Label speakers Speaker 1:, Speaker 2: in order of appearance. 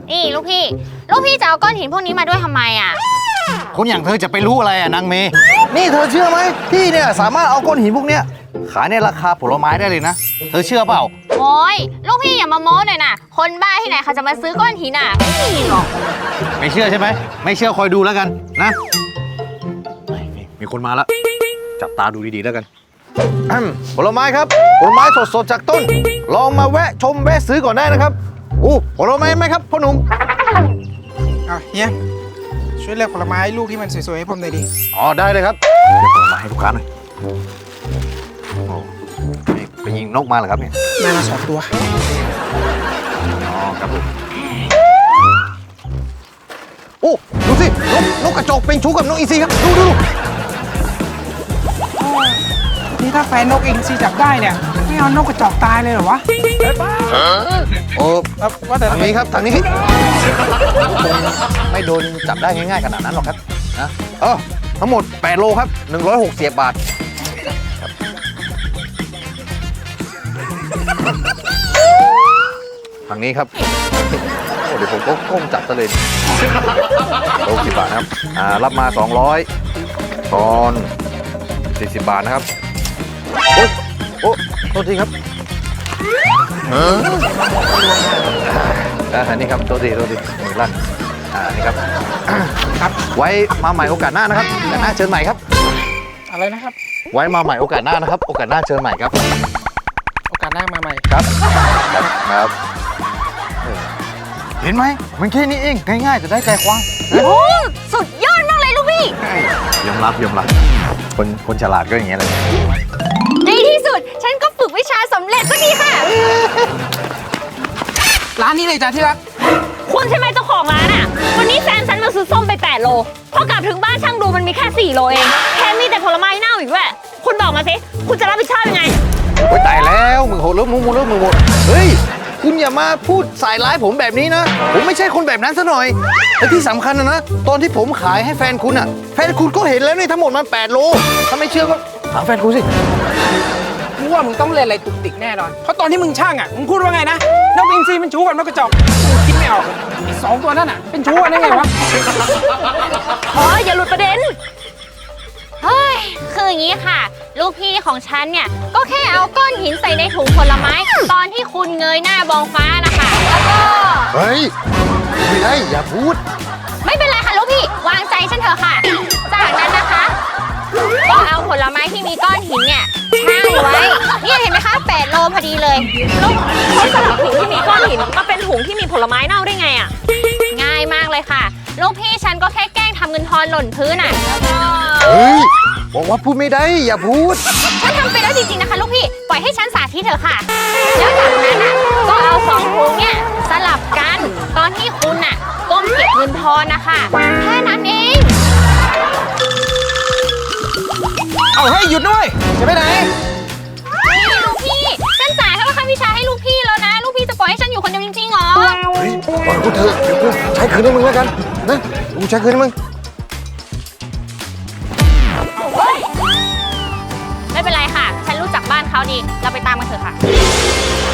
Speaker 1: นี่ลูกพี่จะเอาก้อนหินพวกนี้มาด้วยทำไมอ่ะ
Speaker 2: คนอย่างเธอจะไปรู้อะไรนางเมย์นี่เธอเชื่อไหมพี่เนี่ยสามารถเอาก้อนหินพวกเนี้ยขายในราคาผลไม้ได้เลยนะเธอเชื่อเปล่า
Speaker 1: โอ้ยลูกพี่อย่ามาโม้หน่อยนะคนบ้าที่ไหนเขาจะมาซื้อก้อนหินอ่ะไม่มีหรอก
Speaker 2: ไม่เชื่อใช่ไหมไม่เชื่อคอยดูแล้วกันนะมีคนมาแล้วจับตาดูดีๆแล้วกันผลไม้ครับผลไม้สดๆจากต้นลองมาแวะชมแวะซื้อก่อนได้นะครับผลไม้ไหมครับพ่อหนุ่ม
Speaker 3: เฮียช่วยเลือกผลไม้ลูกที่มันสวยๆให้ผมหน่อยดิ
Speaker 2: ได้เลยครับเดี๋ยวผลไม้ให้ลูกค้าหน่อยไปยิงนกมาเหรอครับเนี่ย
Speaker 3: ได้มา2 ตัว
Speaker 2: ครับผมดูสินกกระจอกเป็นชู้กับนกอีซีครับดู
Speaker 3: นี่ถ้าแฟนนกเองซีจับได้เนี่ยไม่เอานกกระจอกตายเลยเหรอวะ
Speaker 2: ว่าแต่ทางนี้ครับทางนี้ไม่โดนจับได้ง่ายๆขนาดนั้นหรอกครับนะทั้งหมด8 โลครับ160 บาททางนี้ครับเดี๋ยวผมก็ก้มจับซะเลย60 บาทครับรับมา200ตอน40 บาทนะครับโทษทีครับนี่ครับโทษทีมือลั่นนี่ครับครับไว้มาใหม่โอกาสหน้านะครับโอกาสหน้าเชิญใหม่ครับ
Speaker 3: อะไรนะครับ
Speaker 2: ไว้มาใหม่โอกาสหน้านะครับโอกาสหน้าเชิญใหม่ครับ
Speaker 3: โอกาสหน้ามาใหม่
Speaker 2: ครับเห็นไหมมันแค่นี้เองง่ายๆจะได้ใจความ
Speaker 1: โอ้สุดยอดมากเลยลูกพี่
Speaker 2: ยอมรับคนฉลาดก็อย่างเงี้ยเลย
Speaker 1: ในที่สุดฉันก็ฝึกวิชาสำเร็จสักทีค่ะ
Speaker 3: ร้านนี้เลยจ้ะที่รัก
Speaker 1: คุณใช่ไหมเจ้าของร้านอ่ะวันนี้แฟนฉันมาซื้อส้มไป8 โลพอกลับถึงบ้านช่างดูมันมีแค่4 โลเองแถมมีแต่ผลไม้เน่าอีกด้วยคุณบอกมาสิคุณจะรับผิดชอบยังไง
Speaker 2: โอ้ยตายแล้วมึงโหดเริ่มมึงหมดเฮ้ยคุณอย่ามาพูดสายร้ายผมแบบนี้นะผมไม่ใช่คนแบบนั้นซะหน่อยและที่สำคัญนะตอนที่ผมขายให้แฟนคุณอ่ะแฟนคุณก็เห็นแล้วนี่ทั้งหมดมัน8 โลถ้าไม่เชื่อก็ถามแฟนคุณสิ
Speaker 3: กูว่ามึงต้องเล่นอะไรตุกติกแน่นอนเพราะตอนที่มึงช่างอ่ะมึงพูดว่าไงนะนกอินทรีเป็นชู้กับนกกระจอกกูคิดไม่ออกไอ้2 ตัวนั่นอ่ะเป็นชู้กันได้ไงวะ
Speaker 1: อย่าหลุดประเด็นเฮ้ยคืออย่างนี้ค่ะลูกพี่ของฉันเนี่ยก็แค่เอาก้อนหินใส่ในถุงผลไม้ตอนที่คุณเงยหน้ามองฟ้านะคะแล้วก็
Speaker 2: เฮ้ยไม่ได้อย่าพูด
Speaker 1: ไม่เป็นไรค่ะลูกพี่วางใจฉันเถอะค่ะจากนั้นนะคะก็เอาผลไม้ที่มีก้อนหินเนี่ยช่างไว้นี่เห็นไหมคะ8 โลพอดีเลยแล้วเขาสลับถุงที่มีก้อนหินมาเป็นถุงที่มีผลไม้เน่าได้ไงอ่ะง่ายมากเลยค่ะลูกพี่ฉันก็แค่แกล้งทำเงินทอนหล่นพื้นอ่ะแล้วก็
Speaker 2: เฮ้ยบอกว่าพูดไม่ได้อย่าพูด
Speaker 1: ฉันทำไปแล้วจริงๆนะคะลูกพี่ปล่อยให้ฉันสาธิตเถอะค่ะแล้วจากนั้นอ่ะก็เอา2 ถุงเนี่ยสลับกันตอนที่คุณอ่ะก้มเก็บเงินทอนนะคะแค่นั้นเอง
Speaker 3: เอาให้หยุดด้วยจะไปไหน
Speaker 1: นี่ลูกพี่ฉันจ่ายค่าวิชาให้ลูกพี่แล้วนะลูกพี่จะปล่อยให้ฉันอยู่คนเดียวจริงๆหรอ
Speaker 2: เฮ้ยปล่อยกูเถอะเดี๋ยวกูใช้คืนให้มึงแล้วกันนะกูใช้คืนให้มึง
Speaker 1: ไม่เป็นไรค่ะฉันรู้จักบ้านเขาดีเราไปตามกันเถอะค่ะ